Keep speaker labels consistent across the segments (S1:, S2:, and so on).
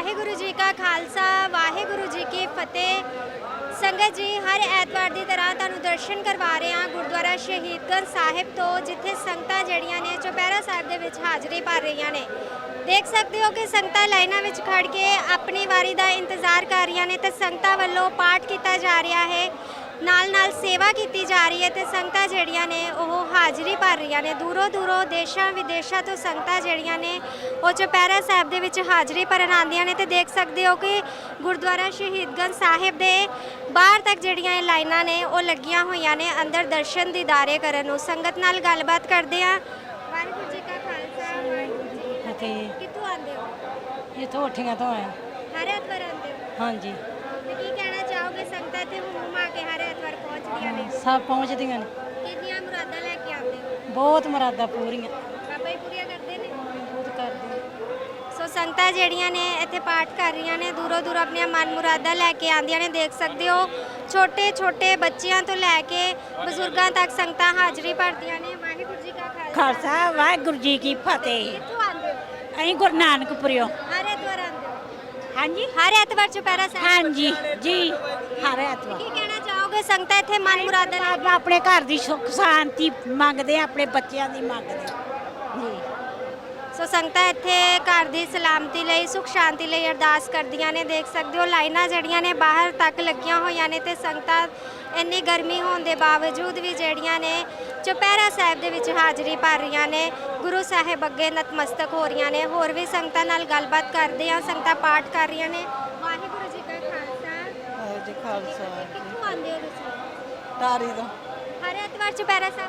S1: ਵਾਹਿਗੁਰੂ ਜੀ ਕਾ ਖਾਲਸਾ ਵਾਹਿਗੁਰੂ ਜੀ ਕੀ ਫਤਿਹ। ਸੰਗਤ ਜੀ, ਹਰ ਐਤਵਾਰ ਦੀ ਤਰ੍ਹਾਂ ਤੁਹਾਨੂੰ ਦਰਸ਼ਨ ਕਰਵਾ ਰਹੇ ਹਾਂ ਗੁਰਦੁਆਰਾ ਸ਼ਹੀਦਗੰਜ ਸਾਹਿਬ ਤੋਂ, ਜਿੱਥੇ ਸੰਗਤਾਂ ਜਿਹੜੀਆਂ ਨੇ ਚੁਪਹਿਰਾ ਸਾਹਿਬ ਦੇ ਵਿੱਚ ਹਾਜ਼ਰੀ ਭਰ ਰਹੀਆਂ ਨੇ। ਦੇਖ ਸਕਦੇ ਹੋ ਕਿ ਸੰਗਤਾਂ ਲਾਈਨਾਂ ਵਿੱਚ ਖੜ ਕੇ ਆਪਣੀ ਵਾਰੀ ਦਾ ਇੰਤਜ਼ਾਰ ਕਰ ਰਹੀਆਂ ਨੇ ਤੇ ਸੰਗਤਾਂ ਵੱਲੋਂ ਪਾਠ ਕੀਤਾ ਜਾ ਰਿਹਾ ਹੈ, ਨਾਲ ਸੇਵਾ ਕੀਤੀ ਜਾ ਰਹੀ ਹੈ ਤੇ ਸੰਗਤਾਂ ਜਿਹੜੀਆਂ ਨੇ ਉਹ ਹਾਜ਼ਰੀ ਭਰ ਰਹੀਆਂ ਨੇ। ਦੂਰੋਂ ਦੂਰੋਂ ਦੇਸ਼ਾਂ ਵਿਦੇਸ਼ਾਂ ਤੋਂ ਸੰਗਤਾਂ ਜਿਹੜੀਆਂ ਨੇ ਉਹ ਚੁਪਹਿਰਾ ਸਾਹਿਬ ਦੇ ਵਿੱਚ ਹਾਜ਼ਰੀ ਭਰਨ ਆਉਂਦੀਆਂ ਨੇ ਤੇ ਦੇਖ ਸਕਦੇ ਹੋ ਕਿ ਗੁਰਦੁਆਰਾ ਸ਼ਹੀਦਗੰਜ ਸਾਹਿਬ ਦੇ ਬਾਹਰ ਤੱਕ ਜਿਹੜੀਆਂ ਇਹ ਲਾਈਨਾਂ ਨੇ ਉਹ ਲੱਗੀਆਂ ਹੋਈਆਂ ਨੇ ਅੰਦਰ ਦਰਸ਼ਨ ਦੀਦਾਰੇ ਕਰਨ ਨੂੰ। ਸੰਗਤ ਨਾਲ ਗੱਲਬਾਤ ਕਰਦੇ ਆ। ਵਾਹਿਗੁਰੂ ਜੀ ਕਾ ਖਾਲਸਾ ਵਾਹਿਗੁਰੂ ਜੀ ਕੀ ਫਤਿਹ। ਕਿੱਥੋਂ ਆਉਂਦੇ ਹੋ?
S2: ਇੱਥੋਂ ਉੱਠੀਆਂ ਤੋਂ ਆਏ।
S1: ਹਰ ਐਤਵਾਰ ਆਉਂਦੇ ਹੋ?
S2: ਹਾਂਜੀ।
S1: ਤੇ ਕੀ ਕਹਿਣਾ ਚਾਹੋਗੇ? ਸੰਗਤਾਂ ਤੇ ਹੁਮਾ ਕੇ ਹਰ ਐਤਵਾਰ ਪਹੁੰਚਦੀਆਂ ਨੇ,
S2: ਸਭ ਪਹੁੰਚਦੀਆਂ ਨੇ।
S1: ਕਿੰਨੀਆਂ ਮੁਰਾਦਾਂ ਲੈ ਕੇ ਆਉਂਦੇ ਹੋ?
S2: ਬਹੁਤ ਮੁਰਾਦਾਂ ਪੂਰੀਆਂ।
S1: ਬਾਬਾ ਜੀ ਪੂਰੀਆਂ ਕਰਦੇ ਨੇ?
S2: ਬਹੁਤ ਕਰਦੇ।
S1: ਸੋ ਸੰਗਤਾਂ ਜਿਹੜੀਆਂ ਨੇ ਇੱਥੇ ਪਾਠ ਕਰ ਰਹੀਆਂ ਨੇ, ਦੂਰੋਂ ਦੂਰ ਆਪਣੀਆਂ ਮਨ ਮੁਰਾਦਾਂ ਲੈ ਕੇ ਆਉਂਦੀਆਂ ਨੇ। ਦੇਖ ਸਕਦੇ ਹੋ ਛੋਟੇ ਛੋਟੇ ਬੱਚਿਆਂ ਤੋਂ ਲੈ ਕੇ ਬਜ਼ੁਰਗਾਂ ਤੱਕ ਸੰਗਤਾਂ ਹਾਜ਼ਰੀ ਭਰਦੀਆਂ ਨੇ। ਵਾਹਿਗੁਰੂ ਜੀ ਕਾ
S2: ਖਾਲਸਾ ਵਾਹਿਗੁਰੂ ਜੀ ਕੀ ਫਤਿਹ।
S1: ਕਿੱਥੋਂ ਆਉਂਦੇ ਹੋ?
S2: ਅਸੀਂ ਗੁਰੂ ਨਾਨਕਪੁਰਿਓ।
S1: ਹਰ ਐਤਵਾਰ ਆਉਂਦੇ ਹੋ?
S2: ਹਾਂਜੀ।
S1: ਹਰ ਐਤਵਾਰ ਚੁਪਹਿਰਾ ਸਾਹਿਬ?
S2: ਹਾਂਜੀ ਜੀ, ਹਰ ਐਤਵਾਰ।
S1: ਕੀ ਕਹਿਣਾ ਚਾਹੋਗੇ? ਸੰਗਤਾਂ ਇੱਥੇ ਮਨ ਮੁਰਾਦਾਂ ਲੈ ਕੇ
S2: ਆਪਣੇ ਘਰ ਦੀ ਸੁੱਖ ਸ਼ਾਂਤੀ ਮੰਗਦੇ ਆ, ਆਪਣੇ ਬੱਚਿਆਂ ਦੀ ਮੰਗਦੇ ਜੀ।
S1: ਸੋ ਸੰਗਤਾਂ ਇੱਥੇ ਘਰ ਦੀ ਸਲਾਮਤੀ ਲਈ, ਸੁਖ ਸ਼ਾਂਤੀ ਲਈ ਅਰਦਾਸ ਕਰਦੀਆਂ ਨੇ। ਦੇਖ ਸਕਦੇ ਹੋ ਲਾਈਨਾਂ ਜਿਹੜੀਆਂ ਨੇ ਬਾਹਰ ਤੱਕ ਲੱਗੀਆਂ ਹੋਈਆਂ ਨੇ ਤੇ ਸੰਗਤਾਂ ਇੰਨੀ ਗਰਮੀ ਹੋਣ ਦੇ ਬਾਵਜੂਦ ਵੀ ਜਿਹੜੀਆਂ ਨੇ ਚੁਪਹਿਰਾ ਸਾਹਿਬ ਦੇ ਵਿੱਚ ਹਾਜ਼ਰੀ ਭਰ ਰਹੀਆਂ ਨੇ, ਗੁਰੂ ਸਾਹਿਬ ਅੱਗੇ ਨਤਮਸਤਕ ਹੋ ਰਹੀਆਂ ਨੇ। ਹੋਰ ਵੀ ਸੰਗਤਾਂ ਨਾਲ ਗੱਲਬਾਤ ਕਰਦੇ ਆ। ਸੰਗਤਾਂ ਪਾਠ ਕਰ ਰਹੀਆਂ ਨੇ। ਵਾਹਿਗੁਰੂ ਜੀ ਕਾ ਖਾਲਸਾ
S2: ਜੀ ਖਾਲਸਾ।
S1: ਕਿੱਥੋਂ ਆਉਂਦੇ ਹੋ ਤੁਸੀਂ?
S2: ਤਾਰੀ ਦਾ।
S1: ਹਰ ਐਤਵਾਰ ਚੁਪਹਿਰਾ ਸਾਹਿਬ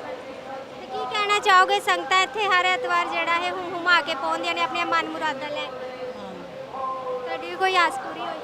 S1: ਤੇ ਕੀ ਕਹਿਣਾ ਚਾਹੋਗੇ? ਸੰਗਤਾਂ ਇੱਥੇ ਹਰ ਐਤਵਾਰ ਜਿਹੜਾ ਹੈ ਹੁਮਾ ਕੇ ਪਹੁੰਚਦੀਆਂ ਨੇ ਆਪਣੀਆਂ ਮਨ ਮੁਰਾਦਾਂ ਲੈ ਕੇ। ਤੁਹਾਡੀ ਵੀ ਕੋਈ ਆਸ ਪੂਰੀ ਹੋਈ?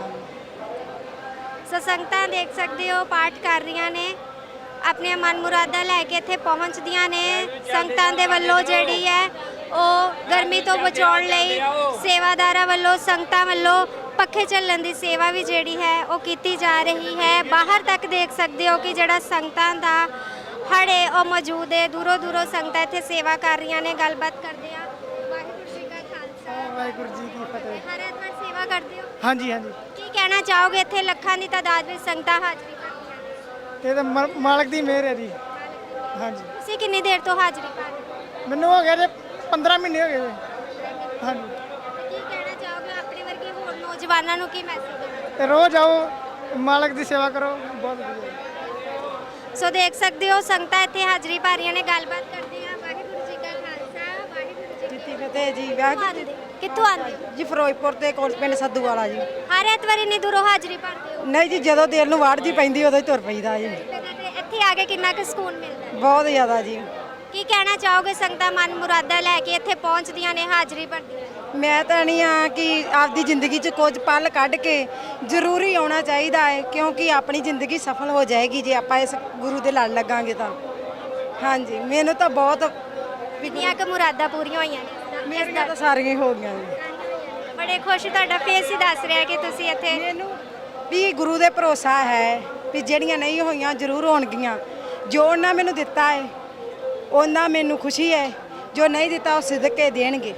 S1: ਸੋ ਸੰਗਤਾਂ ਦੇਖ ਸਕਦੇ ਹੋ ਪਾਠ ਕਰ ਰਹੀਆਂ ਨੇ, ਆਪਣੀਆਂ ਮਨ ਮੁਰਾਦਾਂ ਲੈ ਕੇ ਇੱਥੇ ਪਹੁੰਚਦੀਆਂ ਨੇ। ਸੰਗਤਾਂ ਦੇ ਵੱਲੋਂ ਜਿਹੜੀ ਹੈ ਉਹ ਗਰਮੀ ਤੋਂ ਬਚਾਉਣ ਲਈ ਸੇਵਾਦਾਰਾਂ ਵੱਲੋਂ, ਸੰਗਤਾਂ ਵੱਲੋਂ ਪੱਖੇ ਚੱਲਣ ਦੀ ਸੇਵਾ ਵੀ ਜਿਹੜੀ ਹੈ ਉਹ ਕੀਤੀ ਜਾ ਰਹੀ ਹੈ। ਬਾਹਰ ਤੱਕ ਦੇਖ ਸਕਦੇ ਹੋ ਕਿ ਜਿਹੜਾ ਸੰਗਤਾਂ ਦਾ ਹੜ ਹੈ ਉਹ ਮੌਜੂਦ ਹੈ। ਦੂਰੋਂ ਦੂਰੋਂ ਸੰਗਤਾਂ ਇੱਥੇ ਸੇਵਾ ਕਰ ਰਹੀਆਂ ਨੇ। ਗੱਲਬਾਤ ਕਰਦੇ ਆ। ਵਾਹਿਗੁਰੂ ਜੀ ਕਾ ਖਾਲਸਾ
S3: ਵਾਹਿਗੁਰੂ ਜੀ ਕੀ ਫਤਿਹ।
S1: ਹਰ ਐਤਵਾਰ ਸੇਵਾ ਕਰਦੇ ਹੋ?
S3: ਹਾਂਜੀ ਹਾਂਜੀ।
S1: ਕੀ ਕਹਿਣਾ ਚਾਹੋਗੇ? ਇੱਥੇ ਲੱਖਾਂ ਦੀ ਤਾਦਾਦ ਵਿੱਚ ਸੰਗਤਾਂ ਹਾਜ਼ਰੀ ਭਰਦੀਆਂ ਨੇ।
S3: ਇਹ ਤਾਂ ਮਾਲਕ ਦੀ ਮਿਹਰ ਹੈ ਜੀ। ਹਾਂਜੀ।
S1: ਤੁਸੀਂ ਕਿੰਨੀ ਦੇਰ ਤੋਂ ਹਾਜ਼ਰੀ ਭਰ ਰਹੇ ਹੋ?
S3: ਮੈਨੂੰ ਹੋ ਗਿਆ ਜੇ 15 ਮਹੀਨੇ ਹੋ ਗਏ ਜੀ। ਹਾਂਜੀ।
S1: ਤੇ ਕੀ ਕਹਿਣਾ ਚਾਹੋਗੇ ਆਪਣੇ ਵਰਗੇ ਹੋਰ ਨੌਜਵਾਨਾਂ ਨੂੰ? ਕੀ ਮੈਸੇਜ ਦੇਣਾ?
S3: ਤੇ ਰੋਜ਼ ਆਓ, ਮਾਲਕ ਦੀ ਸੇਵਾ ਕਰੋ, ਬਹੁਤ ਵਧੀਆ।
S1: ਸੋ ਦੇਖ ਸਕਦੇ ਹੋ ਸੰਗਤਾਂ ਇੱਥੇ ਹਾਜ਼ਰੀ ਭਰ ਰਹੀਆਂ ਨੇ। ਗੱਲਬਾਤ ਕਰਦੇ ਆ। ਵਾਹਿਗੁਰੂ ਜੀ ਕਾ ਖਾਲਸਾ ਵਾਹਿਗੁਰੂ ਜੀ ਕੀ
S2: ਫਤਿਹ ਜੀ।
S1: ਫਤਿਹ। ਕਿੱਥੋਂ ਆਉਂਦੇ ਹੋ?
S2: ਜੀ ਫਿਰੋਜ਼ਪੁਰ ਤੇ ਕੋਲ ਪਿੰਡ ਸੱਧੂ ਵਾਲਾ ਜੀ।
S1: ਹਰ ਐਤਵਾਰ ਇੰਨੀ ਦੂਰੋਂ ਹਾਜ਼ਰੀ ਭਰਦੇ ਹੋ?
S2: ਨਹੀਂ ਜੀ, ਜਦੋਂ ਦਿਲ ਨੂੰ ਵਾੜ ਜੀ ਪੈਂਦੀ ਉਦੋਂ ਹੀ ਤੁਰ ਪਈਦਾ ਜੀ।
S1: ਤੇ ਇੱਥੇ ਆ ਕੇ ਕਿੰਨਾ ਕੁ ਸਕੂਨ ਮਿਲਦਾ ਹੈ?
S2: ਬਹੁਤ ਜ਼ਿਆਦਾ ਜੀ।
S1: ਕੀ ਕਹਿਣਾ ਚਾਹੋਗੇ? ਸੰਗਤਾਂ ਮਨ ਮੁਰਾਦਾਂ ਲੈ ਕੇ ਇੱਥੇ ਪਹੁੰਚਦੀਆਂ ਨੇ, ਹਾਜ਼ਰੀ ਭਰਦੀਆਂ ਨੇ।
S2: ਮੈਂ ਤਾਂ ਨਹੀਂ ਆ ਕਿ ਆਪਦੀ ਜ਼ਿੰਦਗੀ 'ਚ ਕੁਝ ਪਲ ਕੱਢ ਕੇ ਜ਼ਰੂਰੀ ਆਉਣਾ ਚਾਹੀਦਾ ਹੈ, ਕਿਉਂਕਿ ਆਪਣੀ ਜ਼ਿੰਦਗੀ ਸਫਲ ਹੋ ਜਾਏਗੀ ਜੇ ਆਪਾਂ ਇਸ ਗੁਰੂ ਦੇ ਲੜ ਲੱਗਾਂਗੇ ਤਾਂ। ਹਾਂਜੀ, ਮੈਨੂੰ ਤਾਂ ਬਹੁਤ
S1: ਕਿੰਨੀਆਂ ਕੁ ਮੁਰਾਦਾਂ ਪੂਰੀਆਂ ਹੋਈਆਂ ਨੇ?
S2: ਮੇਰੀਆਂ ਤਾਂ ਸਾਰੀਆਂ ਹੀ ਹੋ ਗਈਆਂ ਜੀ।
S1: ਬੜੇ ਖੁਸ਼, ਤੁਹਾਡਾ ਫੇਸ ਹੀ ਦੱਸ ਰਿਹਾ ਕਿ ਤੁਸੀਂ ਇੱਥੇ।
S2: ਮੈਨੂੰ ਵੀ ਗੁਰੂ ਦੇ ਭਰੋਸਾ ਹੈ ਵੀ ਜਿਹੜੀਆਂ ਨਹੀਂ ਹੋਈਆਂ ਜ਼ਰੂਰ ਹੋਣਗੀਆਂ। ਜੋ ਉਹਨਾਂ ਮੈਨੂੰ ਦਿੱਤਾ ਹੈ ਉਹਨਾਂ ਮੈਨੂੰ ਖੁਸ਼ੀ ਹੈ, ਜੋ ਨਹੀਂ ਦਿੱਤਾ ਉਹ ਸਿੱਧਕੇ ਦੇਣਗੇ।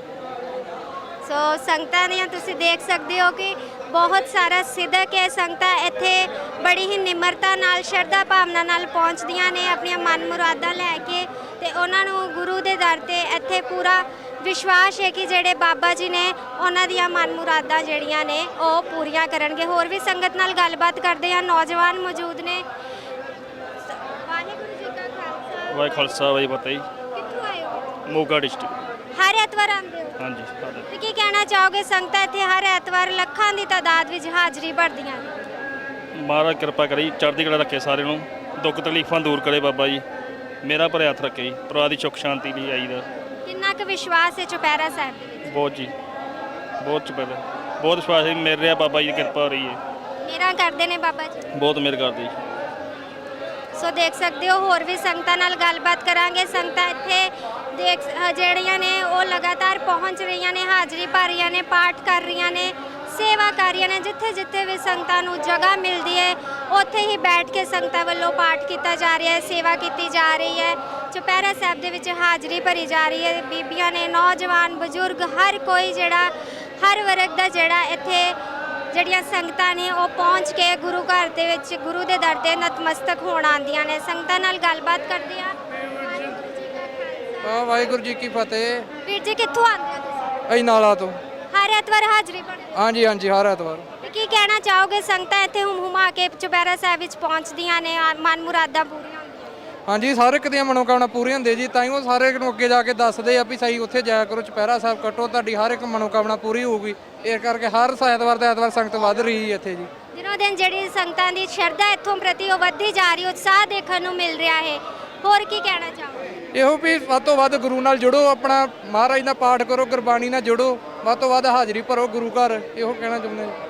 S1: ਸੋ ਸੰਗਤਾਂ ਦੀਆਂ ਤੁਸੀਂ ਦੇਖ ਸਕਦੇ ਹੋ ਕਿ ਬਹੁਤ ਸਾਰਾ ਸਿੱਧਕ ਹੈ। ਸੰਗਤਾਂ ਇੱਥੇ ਬੜੀ ਹੀ ਨਿਮਰਤਾ ਨਾਲ, ਸ਼ਰਧਾ ਭਾਵਨਾ ਨਾਲ ਪਹੁੰਚਦੀਆਂ ਨੇ ਆਪਣੀਆਂ ਮਨ ਮੁਰਾਦਾਂ ਲੈ ਕੇ ਤੇ ਉਹਨਾਂ ਨੂੰ ਗੁਰੂ ਦੇ ਦਰ ਤੇ ਇੱਥੇ ਪੂਰਾ ਵਿਸ਼ਵਾਸ ਹੈ ਕਿ ਜਿਹੜੇ ਬਾਬਾ ਜੀ ਨੇ ਉਹਨਾਂ ਦੀਆਂ ਮਨ ਮੁਰਾਦਾਂ ਜਿਹੜੀਆਂ ਨੇ ਉਹ ਪੂਰੀਆਂ ਕਰਨਗੇ। ਹੋਰ ਵੀ ਸੰਗਤ ਨਾਲ ਗੱਲਬਾਤ ਕਰਦੇ ਆ। ਨੌਜਵਾਨ ਮੌਜੂਦ ਨੇ। ਵਾਹਿਗੁਰੂ ਜੀ ਕਾ ਖਾਲਸਾ
S4: ਵਾਹਿ ਖਾਲਸਾ ਵਾਹਿ ਫਤਿਹ।
S1: ਕਿੱਥੋਂ ਆਏ ਹੋ?
S4: ਮੋਗਾ ਡਿਸਟ੍ਰਿਕਟ।
S1: ਹਰ ਐਤਵਾਰ ਆਉਂਦੇ ਹੋ?
S4: ਹਾਂਜੀ।
S1: ਤੇ ਕੀ ਕਹਿਣਾ ਚਾਹੋਗੇ? ਸੰਗਤਾਂ ਇੱਥੇ ਹਰ ਐਤਵਾਰ ਲੱਖਾਂ ਦੀ ਤਾਦਾਦ ਵਿੱਚ ਹਾਜ਼ਰੀ ਭਰਦੀਆਂ ਨੇ।
S4: ਮਹਾਰਾਜ ਕਿਰਪਾ ਕਰੀ, ਚੜ੍ਹਦੀ ਕਲਾ ਰੱਖੇ ਸਾਰਿਆਂ ਨੂੰ, ਦੁੱਖ ਤਕਲੀਫਾਂ ਦੂਰ ਕਰੇ ਬਾਬਾ ਜੀ। ਮੇਰਾ ਭਰੇ ਹੱਥ ਰੱਖੇ ਜੀ, ਪਰਿਵਾਰ ਦੀ ਸੁੱਖ ਸ਼ਾਂਤੀ ਲਈ ਆਈਦਾ।
S1: ਕਿੰਨਾ ਕੁ ਵਿਸ਼ਵਾਸ ਹੈ ਚੁਪਹਿਰਾ ਸਾਹਿਬ ਦੇ ਵਿੱਚ?
S4: ਬਹੁਤ ਜੀ, ਬਹੁਤ ਚੁਪਹਿਰਾ, ਬਹੁਤ ਵਿਸ਼ਵਾਸ ਹੈ। ਮਿਲ ਰਿਹਾ ਬਾਬਾ ਜੀ ਦੀ ਕਿਰਪਾ ਹੋ ਰਹੀ ਹੈ।
S1: ਮੇਰਾ ਕਰਦੇ ਨੇ ਬਾਬਾ ਜੀ,
S4: ਬਹੁਤ ਮਿਹਰ ਕਰਦੇ ਜੀ।
S1: ਸੋ ਦੇਖ ਸਕਦੇ ਹੋ। ਹੋਰ ਵੀ ਸੰਗਤਾਂ ਨਾਲ ਗੱਲਬਾਤ ਕਰਾਂਗੇ। ਸੰਗਤਾਂ ਇੱਥੇ ਜਿਹੜੀਆਂ ਨੇ ਉਹ ਲਗਾਤਾਰ ਪਹੁੰਚ ਰਹੀਆਂ ਨੇ, ਹਾਜ਼ਰੀ ਭਰ ਰਹੀਆਂ ਨੇ, ਪਾਠ ਕਰ ਰਹੀਆਂ ਨੇ, ਸੇਵਾ ਕਰ ਰਹੀਆਂ ਨੇ। ਜਿੱਥੇ ਜਿੱਥੇ ਵੀ ਸੰਗਤਾਂ ਨੂੰ ਜਗ੍ਹਾ ਮਿਲਦੀ ਹੈ ਉੱਥੇ ਹੀ ਬੈਠ ਕੇ ਸੰਗਤਾਂ ਵੱਲੋਂ ਪਾਠ ਕੀਤਾ ਜਾ ਰਿਹਾ ਹੈ, ਸੇਵਾ ਕੀਤੀ ਜਾ ਰਹੀ ਹੈ। ਚੁਪਹਿਰਾ ਸਾਹਿਬ ਦੇ ਵਿੱਚ ਹਾਜ਼ਰੀ ਭਰੀ ਜਾ ਰਹੀ ਹੈ। ਬੀਬੀਆਂ ਨੇ, ਨੌਜਵਾਨ, ਬਜ਼ੁਰਗ, ਹਰ ਕੋਈ ਜਿਹੜਾ ਹਰ ਵਰਗ ਦਾ ਜਿਹੜਾ ਇੱਥੇ ਜਿਹੜੀਆਂ ਸੰਗਤਾਂ ਨੇ ਉਹ ਪਹੁੰਚ ਕੇ ਗੁਰੂ ਘਰ ਦੇ ਵਿੱਚ ਗੁਰੂ ਦੇ ਦਰ ਤੇ ਨਤਮਸਤਕ ਹੋਣ ਆਉਂਦੀਆਂ ਨੇ। ਸੰਗਤਾਂ ਨਾਲ ਗੱਲਬਾਤ ਕਰਦੇ ਆ।
S5: ਵਾਹਿਗੁਰੂ ਜੀ ਕੀ ਫਤਿਹ।
S1: ਵੀਰ ਜੀ ਕਿੱਥੋਂ ਆਉਂਦੇ ਹੋ ਤੁਸੀਂ?
S5: ਅਸੀਂ ਨਾਲਾ ਤੋਂ।
S1: ਹਰ ਐਤਵਾਰ ਹਾਜ਼ਰੀ ਭਰਦੇ ਹੋ?
S5: ਹਾਂਜੀ ਹਾਂਜੀ, ਹਰ ਐਤਵਾਰ।
S1: ਤੇ ਕੀ ਕਹਿਣਾ ਚਾਹੋਗੇ? ਸੰਗਤਾਂ ਇੱਥੇ ਹੁਮਾ ਕੇ ਚੁਪਹਿਰਾ ਸਾਹਿਬ ਵਿੱਚ ਪਹੁੰਚਦੀਆਂ ਨੇ, ਮਨ ਮੁਰਾਦਾਂ ਪੂਰੀਆਂ ਹੁੰਦੀਆਂ।
S5: ਹਾਂਜੀ, ਹਰ ਇੱਕ ਦੀਆਂ ਮਨੋਕਾਮਨਾ ਪੂਰੀ ਹੁੰਦੀ ਜੀ, ਤਾਂ ਹੀ ਉਹ ਸਾਰੇ ਨੂੰ ਅੱਗੇ ਜਾ ਕੇ ਦੱਸਦੇ ਆ ਵੀ ਸਹੀ ਉੱਥੇ ਜਾਇਆ ਕਰੋ, ਚੁਪਹਿਰਾ ਸਾਹਿਬ ਕੱਟੋ, ਤੁਹਾਡੀ ਹਰ ਇੱਕ ਮਨੋਕਾਮਨਾ ਪੂਰੀ ਹੋਊਗੀ। ਇਸ ਕਰਕੇ ਹਰ ਐਤਵਾਰ ਦਾ ਐਤਵਾਰ ਸੰਗਤ ਵੱਧ ਰਹੀ ਹੈ ਇੱਥੇ ਜੀ।
S1: ਦਿਨੋਂ ਦਿਨ ਜਿਹੜੀ ਸੰਗਤਾਂ ਦੀ ਸ਼ਰਧਾ ਇੱਥੋਂ ਪ੍ਰਤੀ ਉਹ ਵੱਧਦੀ ਜਾ ਰਹੀ, ਉਤਸ਼ਾਹ ਦੇਖਣ ਨੂੰ ਮਿਲ ਰਿਹਾ ਹੈ। ਹੋਰ ਕੀ ਕਹਿਣਾ ਚਾਹੋਗੇ?
S5: ਇਹੋ ਵੀ ਵੱਧ ਤੋਂ ਵੱਧ ਗੁਰੂ ਨਾਲ ਜੁੜੋ, ਆਪਣਾ ਮਹਾਰਾਜ ਦਾ ਪਾਠ ਕਰੋ, ਗੁਰਬਾਣੀ ਨਾਲ ਜੁੜੋ, ਵੱਧ ਤੋਂ ਵੱਧ ਹਾਜ਼ਰੀ ਭਰੋ ਗੁਰੂ ਘਰ, ਇਹੋ ਕਹਿਣਾ ਚਾਹੁੰਦੇ ਹਾਂ।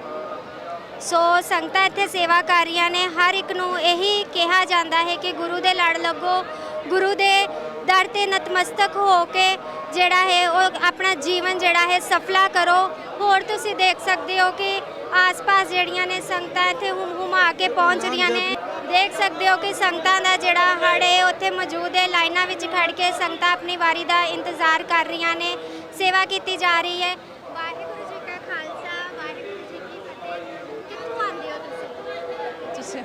S1: ਸੋ ਸੰਗਤਾਂ ਇੱਥੇ ਸੇਵਾ ਕਰ ਰਹੀਆਂ ਨੇ। ਹਰ ਇੱਕ ਨੂੰ ਇਹੀ ਕਿਹਾ ਜਾਂਦਾ ਹੈ ਕਿ ਗੁਰੂ ਦੇ ਲੜ ਲੱਗੋ, ਗੁਰੂ ਦੇ ਦਰ ਤੇ ਨਤਮਸਤਕ ਹੋ ਕੇ ਜਿਹੜਾ ਹੈ ਉਹ ਆਪਣਾ ਜੀਵਨ ਜਿਹੜਾ ਹੈ ਸਫਲਾ ਕਰੋ। ਹੋਰ ਤੁਸੀਂ ਦੇਖ ਸਕਦੇ ਹੋ ਕਿ ਆਸ-ਪਾਸ ਜਿਹੜੀਆਂ ਨੇ ਸੰਗਤਾਂ ਇੱਥੇ ਹੁਮਾ ਕੇ ਪਹੁੰਚ ਰਹੀਆਂ ਨੇ। ਦੇਖ ਸਕਦੇ ਹੋ ਕਿ ਸੰਗਤਾਂ ਦਾ ਜਿਹੜਾ ਹੜ ਹੈ ਉੱਥੇ ਮੌਜੂਦ ਹੈ। ਲਾਈਨਾਂ ਵਿੱਚ ਖੜ ਕੇ ਸੰਗਤਾਂ ਆਪਣੀ ਵਾਰੀ ਦਾ ਇੰਤਜ਼ਾਰ ਕਰ ਰਹੀਆਂ ਨੇ। ਸੇਵਾ ਕੀਤੀ ਜਾ ਰਹੀ ਹੈ। ਵਾਹਿਗੁਰੂ ਜੀ ਕਾ ਖਾਲਸਾ, ਵਾਹਿਗੁਰੂ ਜੀ ਕੀ ਫਤਿਹ। ਕਿੱਥੋਂ ਆਉਂਦੇ ਹੋ ਤੁਸੀਂ?
S6: ਤੁਸੀਂ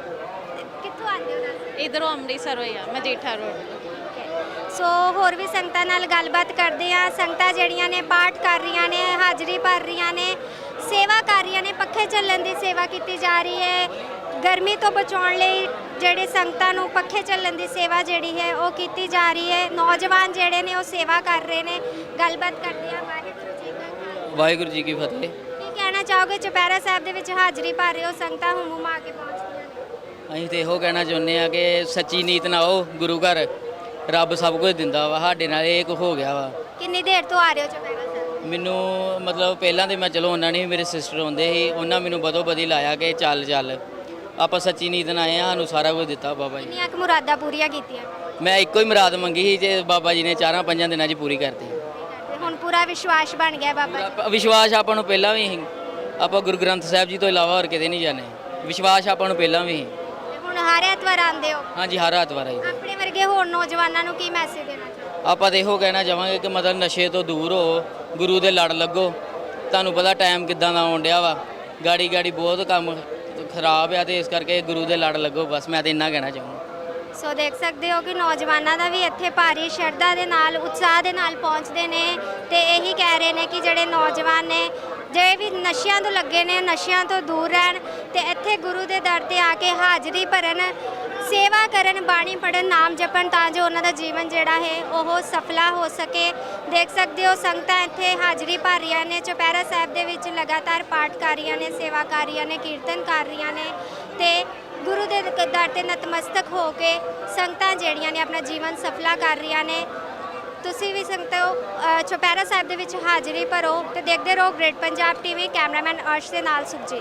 S1: ਕਿੱਥੋਂ ਆਉਂਦੇ ਹੋ ਦੱਸੋ?
S6: ਇਧਰੋਂ ਅੰਮ੍ਰਿਤਸਰ ਹੋਇਆ ਮਜੀਠਾ ਰੋਡ।
S1: ਸੋ ਹੋਰ ਵੀ ਸੰਗਤਾਂ ਨਾਲ ਗੱਲਬਾਤ ਕਰਦੇ ਆ। ਸੰਗਤਾਂ ਜਿਹੜੀਆਂ ਨੇ ਪਾਠ ਕਰ ਰਹੀਆਂ ਨੇ, ਹਾਜ਼ਰੀ ਭਰ ਰਹੀਆਂ ਨੇ, ਸੇਵਾ ਕਰ ਰਹੀਆਂ ਨੇ। ਪੱਖੇ ਚੱਲਣ ਦੀ ਸੇਵਾ ਕੀਤੀ ਜਾ ਰਹੀ ਹੈ। ਗਰਮੀ ਤੋਂ ਬਚਾਉਣ ਲਈ ਜਿਹੜੇ ਸੰਗਤਾਂ ਨੂੰ ਪੱਖੇ ਚੱਲਣ ਦੀ ਸੇਵਾ ਜਿਹੜੀ ਹੈ ਉਹ ਕੀਤੀ ਜਾ ਰਹੀ ਹੈ। ਨੌਜਵਾਨ ਜਿਹੜੇ ਨੇ ਉਹ ਸੇਵਾ ਕਰ ਰਹੇ ਨੇ। ਗੱਲਬਾਤ ਕਰਦੇ ਆ। ਵਾਹਿਗੁਰੂ ਜੀ ਕਾ ਖਾਲਸਾ,
S7: ਵਾਹਿਗੁਰੂ ਜੀ ਕੀ ਫਤਿਹ।
S1: ਕੀ ਕਹਿਣਾ ਚਾਹੋਗੇ? ਚੁਪਹਿਰਾ ਸਾਹਿਬ ਦੇ ਵਿੱਚ ਹਾਜ਼ਰੀ ਭਰ ਰਹੇ ਹੋ, ਸੰਗਤਾਂ ਹੁਮਾ ਕੇ ਪਹੁੰਚਦੀਆਂ ਨੇ।
S7: ਅਸੀਂ ਤੇ ਇਹੋ ਕਹਿਣਾ ਚਾਹੁੰਦੇ ਆ ਕਿ ਸੱਚੀ ਨੀਤ ਨਾਲ ਆਓ ਗੁਰੂ ਘਰ, ਰੱਬ ਸਭ ਕੁਝ ਦਿੰਦਾ ਵਾ। ਸਾਡੇ ਨਾਲ ਇਹ ਕੁ ਹੋ ਗਿਆ ਵਾ।
S1: ਕਿੰਨੀ ਦੇਰ ਤੋਂ ਆ ਰਹੇ ਹੋ ਚੁਪਹਿਰਾ ਸਾਹਿਬ?
S7: ਮੈਨੂੰ ਮਤਲਬ ਪਹਿਲਾਂ ਤੇ ਮੈਂ ਚਲੋ ਉਹਨਾਂ ਨੇ ਮੇਰੇ ਸਿਸਟਰ ਆਉਂਦੇ ਸੀ, ਉਹਨਾਂ ਮੈਨੂੰ ਬਦੋ ਬਦੀ ਲਾਇਆ ਕਿ ਚੱਲ ਚੱਲ ਆਪਾਂ ਸੱਚੀ ਨੀਤ ਨਾਲ ਆਏ ਆ, ਸਾਨੂੰ ਸਾਰਾ ਕੁਝ ਦਿੱਤਾ ਬਾਬਾ ਜੀ।
S1: ਕਿੰਨੀਆਂ ਕੁ ਮੁਰਾਦਾਂ ਪੂਰੀਆਂ ਕੀਤੀਆਂ?
S7: ਮੈਂ ਇੱਕੋ ਹੀ ਮੁਰਾਦ ਮੰਗੀ ਸੀ ਤੇ ਬਾਬਾ ਜੀ ਨੇ 4-5 ਦਿਨਾਂ 'ਚ ਪੂਰੀ ਕਰਤੀ।
S1: ਤੇ ਹੁਣ ਪੂਰਾ ਵਿਸ਼ਵਾਸ ਬਣ ਗਿਆ ਬਾਬਾ ਜੀ।
S7: ਵਿਸ਼ਵਾਸ ਆਪਾਂ ਨੂੰ ਪਹਿਲਾਂ ਵੀ ਸੀ, ਆਪਾਂ ਗੁਰੂ ਗ੍ਰੰਥ ਸਾਹਿਬ ਜੀ ਤੋਂ ਇਲਾਵਾ ਹੋਰ ਕਿਤੇ ਨਹੀਂ ਜਾਣੇ। ਵਿਸ਼ਵਾਸ ਆਪਾਂ ਨੂੰ ਪਹਿਲਾਂ ਵੀ ਸੀ।
S1: ਤੇ ਹੁਣ ਹਰ ਐਤਵਾਰ ਆਉਂਦੇ ਹੋ।
S7: ਹਾਂਜੀ, ਹਰ ਐਤਵਾਰ ਆਈ।
S1: ਆਪਣੇ ਵਰਗੇ ਹੋਰ ਨੌਜਵਾਨਾਂ ਨੂੰ ਕੀ ਮੈਸੇਜ ਦੇਣਾ ਚਾਹੋਗੇ?
S7: ਆਪਾਂ ਤਾਂ ਇਹੋ ਕਹਿਣਾ ਚਾਹਾਂਗੇ ਕਿ ਮਤਲਬ ਨਸ਼ੇ ਤੋਂ ਦੂਰ ਹੋ, ਗੁਰੂ ਦੇ ਲੜ ਲੱਗੋ। ਤੁਹਾਨੂੰ ਪਤਾ ਟਾਈਮ ਕਿੱਦਾਂ ਦਾ ਆਉਣ ਡਿਆ ਵਾ, ਗਾੜੀ ਬਹੁਤ ਕੰਮ ਖਰਾਬ ਆ, ਤੇ ਇਸ ਕਰਕੇ ਗੁਰੂ ਦੇ ਲੜ ਲੱਗੋ। ਬਸ ਮੈਂ ਤਾਂ ਇੰਨਾ ਕਹਿਣਾ ਚਾਹੂੰਗਾ।
S1: ਸੋ ਦੇਖ ਸਕਦੇ ਹੋ ਕਿ ਨੌਜਵਾਨਾਂ ਦਾ ਵੀ ਇੱਥੇ ਭਾਰੀ ਸ਼ਰਧਾ ਦੇ ਨਾਲ, ਉਤਸ਼ਾਹ ਦੇ ਨਾਲ ਪਹੁੰਚਦੇ ਨੇ ਤੇ ਇਹੀ ਕਹਿ ਰਹੇ ਨੇ ਕਿ ਜਿਹੜੇ ਨੌਜਵਾਨ ਨੇ ਜਿਹੜੇ ਵੀ ਨਸ਼ਿਆਂ ਤੋਂ ਲੱਗੇ ਨੇ, ਨਸ਼ਿਆਂ ਤੋਂ ਦੂਰ ਰਹਿਣ ਤੇ ਇੱਥੇ ਗੁਰੂ ਦੇ ਦਰ ਤੇ ਆ ਕੇ ਹਾਜ਼ਰੀ ਭਰਨ, ਸੇਵਾ ਕਰਨ, ਬਾਣੀ ਪੜ੍ਹਨ, ਨਾਮ ਜਪਣ, ਤਾਂ ਜੋ ਉਹਨਾਂ ਦਾ ਜੀਵਨ ਜਿਹੜਾ ਹੈ ਉਹ ਸਫਲਾ ਹੋ ਸਕੇ। ਦੇਖ ਸਕਦੇ ਹੋ ਸੰਗਤਾਂ ਇੱਥੇ ਹਾਜ਼ਰੀ ਭਰ ਰਹੀਆਂ ਨੇ, ਚੁਪਹਿਰਾ ਸਾਹਿਬ ਦੇ ਵਿੱਚ ਲਗਾਤਾਰ ਪਾਠ ਕਰ ਰਹੀਆਂ ਨੇ, ਸੇਵਾ ਕਰ ਰਹੀਆਂ ਨੇ, ਕੀਰਤਨ ਕਰ ਰਹੀਆਂ ਨੇ ਤੇ ਗੁਰੂ ਦੇ ਦਰ ਤੇ ਨਤਮਸਤਕ ਹੋ ਕੇ ਸੰਗਤਾਂ ਜਿਹੜੀਆਂ ਨੇ ਆਪਣਾ ਜੀਵਨ ਸਫਲਾ ਕਰ ਰਹੀਆਂ ਨੇ। ਤੁਸੀਂ ਵੀ ਸੰਗਤੋ ਚੁਪਹਿਰਾ ਸਾਹਿਬ ਦੇ ਵਿੱਚ ਹਾਜ਼ਰੀ ਭਰੋ ਤੇ ਦੇਖਦੇ ਰਹੋ great Punjab TV. Cameraman Arsh ਦੇ ਨਾਲ ਸੁਖਜੀਤ।